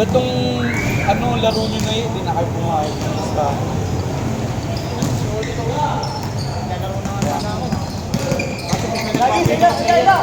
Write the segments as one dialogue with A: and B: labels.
A: Batong ano, laro nyo na yun, hindi na kayo pumayag. Basta.
B: Lagi sila, sila.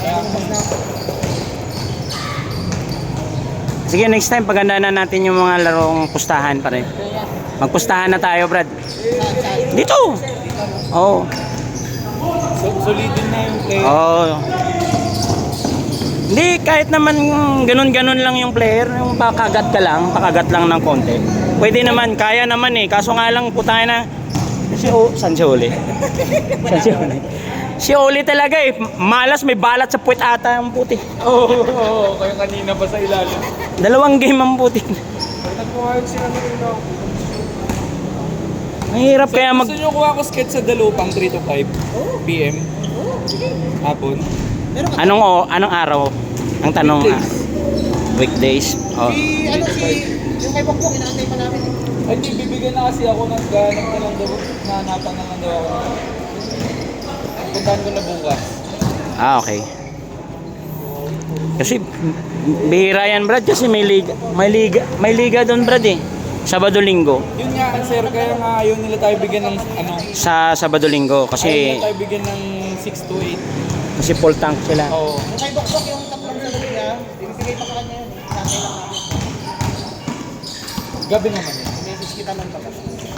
C: Sige, next time pagandaan na natin yung mga larong pustahan pa rin. Magpustahan na tayo, Brad. Dito. Oo.
A: Solidin na yung play.
C: Oo. Hindi, kahit naman ganun-ganun lang yung player, yung pakagat lang ng konti. Pwede naman, kaya naman eh. Kaso nga lang, putay na. San si Oli? San si Oli? Si Oli talaga eh. Malas, may balat sa puwet ata ang puti.
A: Oo, kaya kanina pa sa ilalim.
C: 2 game ang puti.
A: Nagpumayag sila na rin ako.
C: Mahirap kaya mag...
A: Gusto nyo kuha ko sketch sa Dalupang 3 to 5 PM? Hapon?
C: Anong araw? Ang tanong weekdays. Oh.
B: Yung kay Bokbok, inaantay pa namin.
A: Ay, di, bibigyan na kasi ako ng ganap na lang daw. Nahanapan na lang daw ako. Puntahan ko na bukas.
C: Okay. Kasi bihira yan, Brad, kasi may liga doon, Brad eh. Sabado-linggo.
A: Yun nga, sir, kaya nga ayaw nila tayo bigyan ng ano.
C: Sa Sabado-linggo
A: Ayaw
C: kasi
A: nila tayo bigyan ng 6 to 8.
C: kasi full tank sila.
A: Oo.
B: Yung kay Bokbok, yung tatlong sagot niya, ibibigay pa sa kanya yun. Inaantay lang namin.
A: Gabi naman yun.
B: Message kita lang pag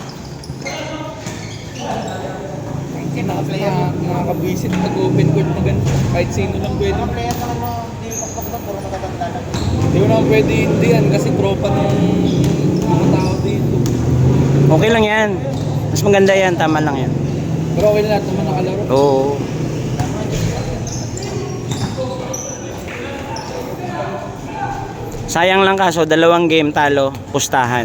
A: Mga kabwisit, nag-open court na ganito. Kahit sino lang pwede.
B: Mga player naman mo, di Bokbok doon, puro matatanda lang.
A: Hindi ko naman pwede hindi yan kasi tropa ng mga tao dito.
C: Okay lang yan. Mas maganda yan, tama lang yan.
A: Pero okay na lahat naman nakalaro.
C: Oo. Sayang lang kaso 2 game talo, pustahan.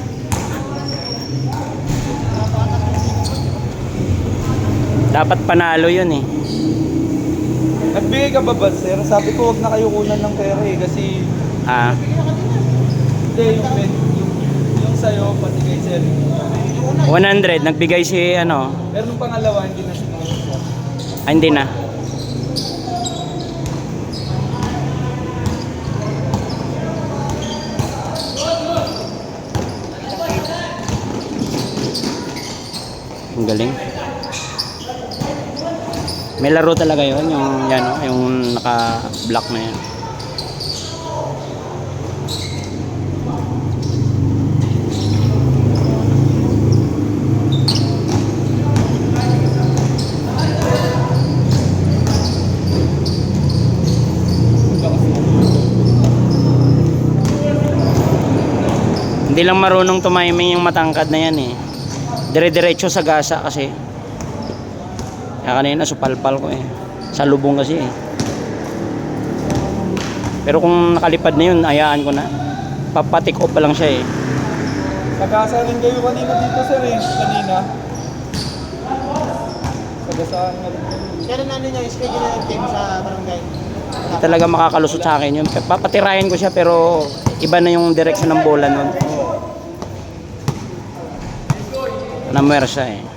C: Dapat panalo yun eh.
A: Nagbigay ka ba, sir? Sabi ko wag na kayo kunan ng pera eh kasi
C: Ah,
A: hindi yung sa'yo pati kay sir.
C: 100 nagbigay si ano,
A: Pero nung pangalawa hindi na sinunod.
C: hindi na. Ang galing. May laro talaga yun, yung yan, oh, yung naka-block na yan. Hindi lang marunong tumiming yung matangkad na yan eh. Dire-diretso sa gasa kasi. Kaya kanina supalpal ko eh. Sa lubong kasi eh. Pero kung nakalipad na yun, hayaan ko na. Papatik off pa lang siya eh.
A: Sagasa rin kayo kanina dito sir eh. Kanina. Sagasaan nga rin kayo.
B: Kaya na niya, schedule na yung team sa barangay.
C: Hindi talaga makakalusot sa akin yun. Papatirahin ko siya pero iba na yung direksyon ng bola nun. Namuwer siya eh.